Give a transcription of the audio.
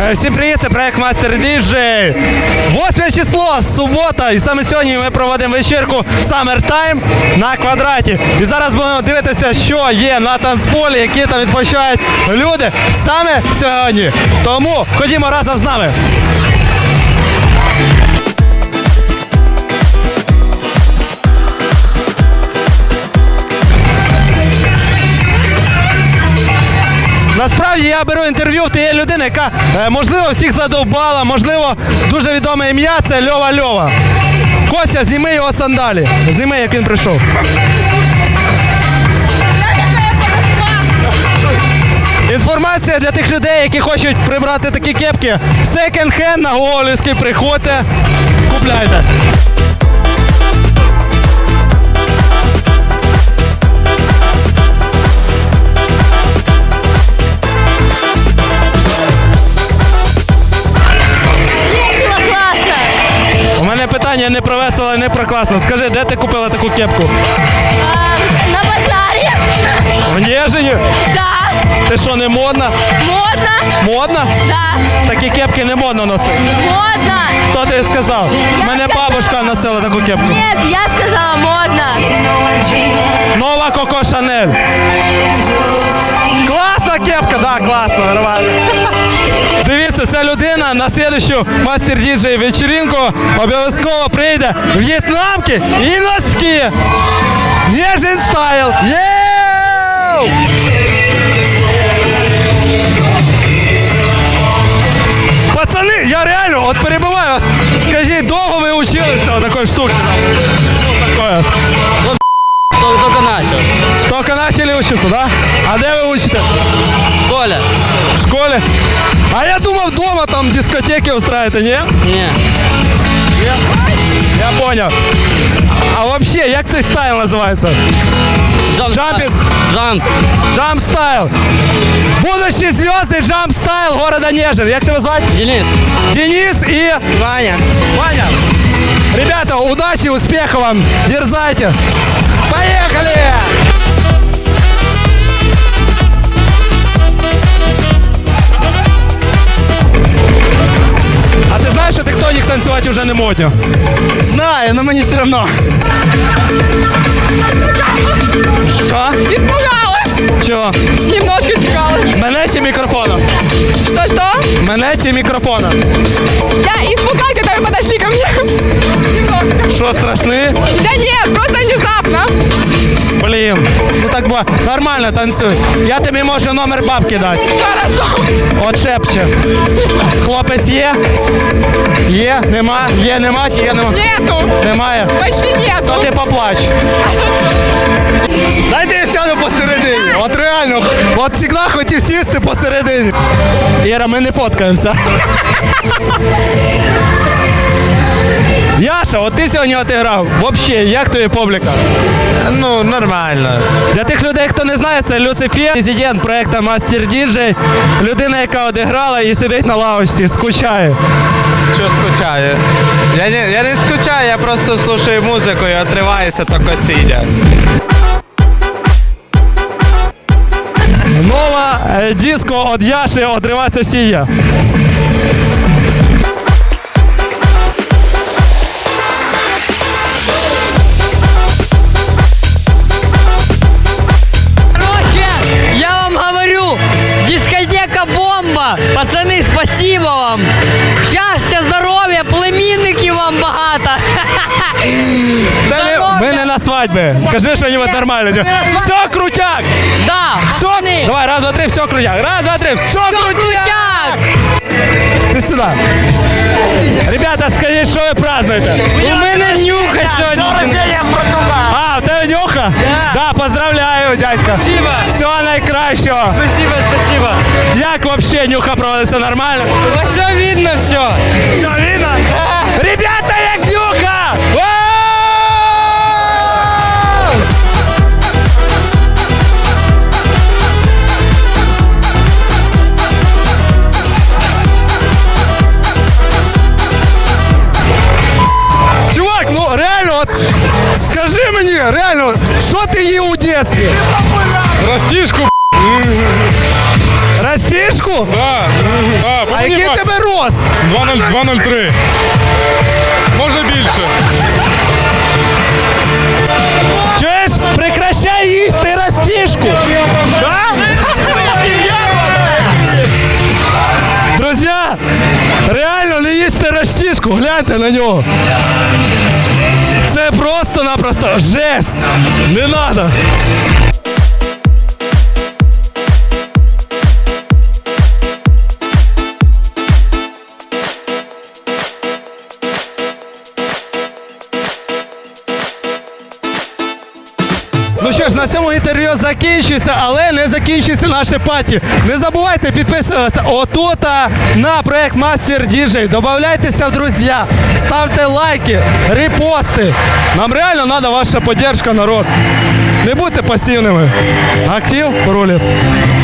Всім привіт, це проект Мастер Діджей. 8 число, субота, і саме сьогодні ми проводимо вечірку Summer Time на Квадраті. І зараз будемо дивитися, що є на танцполі, які там відпочивають люди саме сьогодні. Тому ходімо разом з нами. Насправді я беру інтерв'ю в тієї людини, яка, можливо, всіх задовбала, можливо, дуже відоме ім'я – це Льова. Костя, зніми його сандалі. Зніми, як він прийшов. Інформація для тих людей, які хочуть прибрати такі кепки. Секонд-хенд на Гоголівський, приходьте, купляйте. Питання не про весело, не про класно. Скажи, де ти купила таку кепку? На базарі. В Нежині? Да. Ти що, не модна? Модно. Модна? Да. Такі кепки не модно носити. Модно. Хто тобі сказав? Мене бабушка носила таку кепку. Ні, я сказала модно. Нова Коко Шанель. Класна кепка, да, класно, нормально. Дивіться, ця людина на слідущу Мастер Діджей вечіринку обов'язково прийде в в'єтнамки і носки. Нежин стайл. Єу! Пацани, я реально, от перебиваю вас. Скажіть, довго ви училися о такої штуки? Такое. Только начал. Только начали учиться, да? А де ви учите? В школе? В школе? А я думав, дома там дискотеки устраиваете, не? Не. Я понял. А вообще, як цей стайл називається? Джампинг? Джамп стайл. Будущий звездный джамп стайл города Нежин. Як тебе звати? Денис. Денис и Ваня. Ваня. Ребята, удачи, успехов вам. Дерзайте. Поехали! А ти знаєш, що тектонік танцювати вже не модно? Знаю, но мне все равно. Що? Испугалась. Чого? Немножко испугалась. Мене чи мікрофоном? Что? Мене чи мікрофоном? Я испугалась, когда вы подошли ко мне. Немножко. Що, страшний? Да нет, просто внезапно. Блін, ну так бо нормально танцюй. Я тобі можу номер бабки дати. Хорошо. От шепче. Хлопець є? Є? Нема? Є, нема? Є, нема? Нету. Немає? Почти нету. То ти поплач. Дайте я сяду посередині. От реально, от завжди хотів сісти посередині. Іра, ми не фоткаємося. Яша, от ти сьогодні отіграв. Взагалі, як тобі публіка? Ну, нормально. Для тих людей, хто не знає, це Люцифер, президент проекту Мастер Діджей. Людина, яка одіграла і сидить на лавочці, скучає. Що скучаю? Я не скучаю, я просто слушаю музику і отриваюся тільки сидя. Нова диско від Яши «Одриватися сія». Я вам говорю, дискотека бомба. Пацаны, спасибо вам. Щастя, здоров'я, племінників вам багато. Ми не на свадьбі. Кажи що-нибудь нормальне. Все крутяк! Да, Все. пацани. Давай, раз, два, три, все крутяк. Раз, два, три, все крутяк! Ти сюди. Ребята, скажіть, що ви празднуєте? У мене нюха сьогодні. А, в тебе нюха? Да, поздравляю, дядька. Спасибо. Всього найкращого. Спасибо. Як вообще нюха проводиться, нормально? Все видно, все. Все видно? Ребята, як нюха! Вау! Чувак, ну реально, от, скажи мені, реально, що ти їв у дитинстві? Растишку. Растишку? Да. А який в тебе рост? 2.03. Може більше. Чуєш? Прекращай їсти растішку! Да? Друзі, реально не їсти растішку, гляньте на нього. Це просто-напросто жесть. Не надо. Ну що ж, на цьому інтерв'ю закінчується, але не закінчується наше паті. Не забувайте підписуватися отут на проект Master DJ. Добавляйтеся в друзі, ставте лайки, репости. Нам реально треба ваша підтримка, народ. Не будьте пасивними. Актив рулить.